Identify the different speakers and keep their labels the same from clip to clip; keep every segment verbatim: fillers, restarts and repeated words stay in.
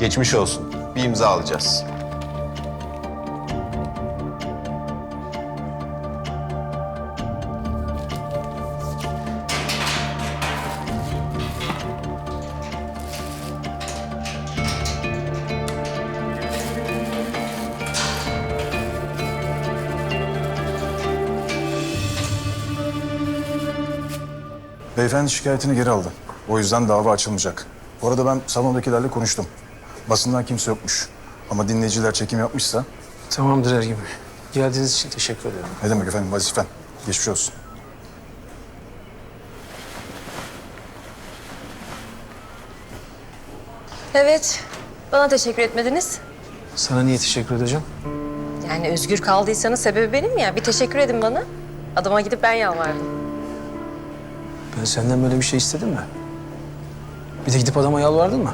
Speaker 1: Geçmiş olsun. Bir imza alacağız.
Speaker 2: Beyefendi şikayetini geri aldı. O yüzden dava açılmayacak. Bu arada ben salondakilerle konuştum. Basından kimse yokmuş. Ama dinleyiciler çekim yapmışsa...
Speaker 3: Tamamdır Ergin Bey. Geldiğiniz için teşekkür ederim.
Speaker 2: Ne demek efendim, vazifen. Geçmiş olsun.
Speaker 4: Evet, bana teşekkür etmediniz.
Speaker 3: Sana niye teşekkür edeceğim?
Speaker 4: Yani özgür kaldıysanız sebebi benim ya. Bir teşekkür edin bana. Adama gidip ben yalvardım.
Speaker 3: Ben senden böyle bir şey istedim mi? Bir de gidip adama yalvardın mı?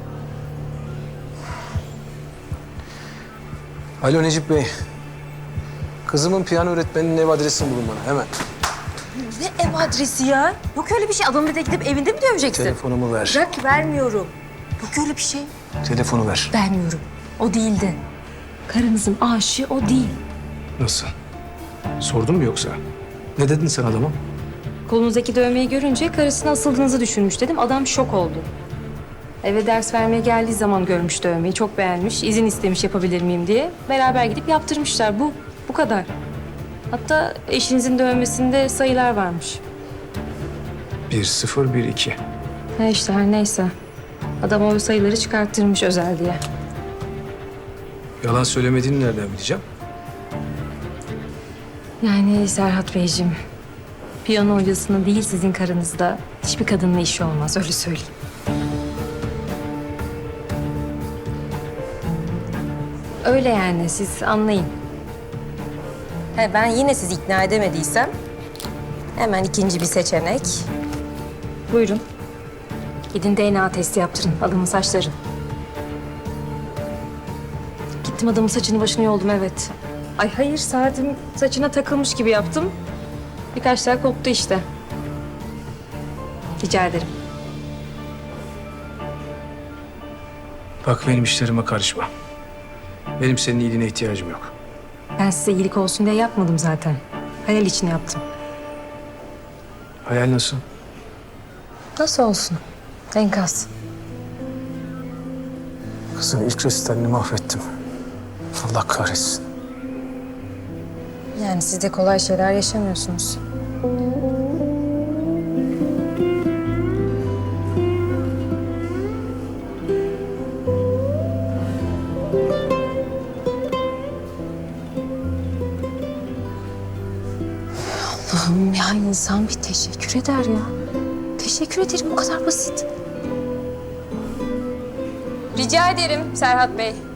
Speaker 3: Alo Necip Bey. Kızımın piyano öğretmeninin ev adresini bulun bana hemen.
Speaker 4: Ne ev adresi ya? Yok öyle bir şey. Adamı bir de gidip evinde mi döveceksin?
Speaker 3: Telefonumu ver.
Speaker 4: Bırak, vermiyorum. Yok öyle bir şey.
Speaker 3: Telefonu ver.
Speaker 4: Vermiyorum. O değildi. Karınızın aşığı o değil.
Speaker 3: Nasıl? Sordun mu yoksa? Ne dedin sen adama?
Speaker 4: Kolunuzdaki dövmeyi görünce karısına asıldığınızı düşünmüş dedim. Adam şok oldu. Eve ders vermeye geldiği zaman görmüş dövmeyi. Çok beğenmiş. İzin istemiş yapabilir miyim diye. Beraber gidip yaptırmışlar. Bu. Bu kadar. Hatta eşinizin dövmesinde sayılar varmış.
Speaker 3: Bir, sıfır, bir, iki.
Speaker 4: Ne işte her neyse. Adam o sayıları çıkarttırmış özel diye.
Speaker 3: Yalan söylemediğini nereden bileceğim?
Speaker 4: Yani Serhat Beyciğim, piyano hocasının değil sizin karınızda hiçbir kadınla işi olmaz, öyle söyleyeyim. Öyle yani, siz anlayın. He, ben yine sizi ikna edemediysem hemen ikinci bir seçenek. Buyurun. Gidin D N A testi yaptırın, adamın saçları. Gittim adamın saçını başını yoldum, evet. Ay hayır, saatim saçına takılmış gibi yaptım. Birkaç tel koptu işte. Rica ederim.
Speaker 3: Bak benim işlerime karışma. Benim senin iyiliğine ihtiyacım yok.
Speaker 4: Ben size iyilik olsun diye yapmadım zaten. Hayal için yaptım.
Speaker 3: Hayal nasıl?
Speaker 4: Nasıl olsun? Enkaz.
Speaker 3: Kızın ilk resitalini mahvettim. Allah kahretsin.
Speaker 4: Yani siz de kolay şeyler yaşamıyorsunuz. Allah'ım ya, insan bir teşekkür eder ya. Teşekkür ederim, bu kadar basit. Rica ederim Serhat Bey.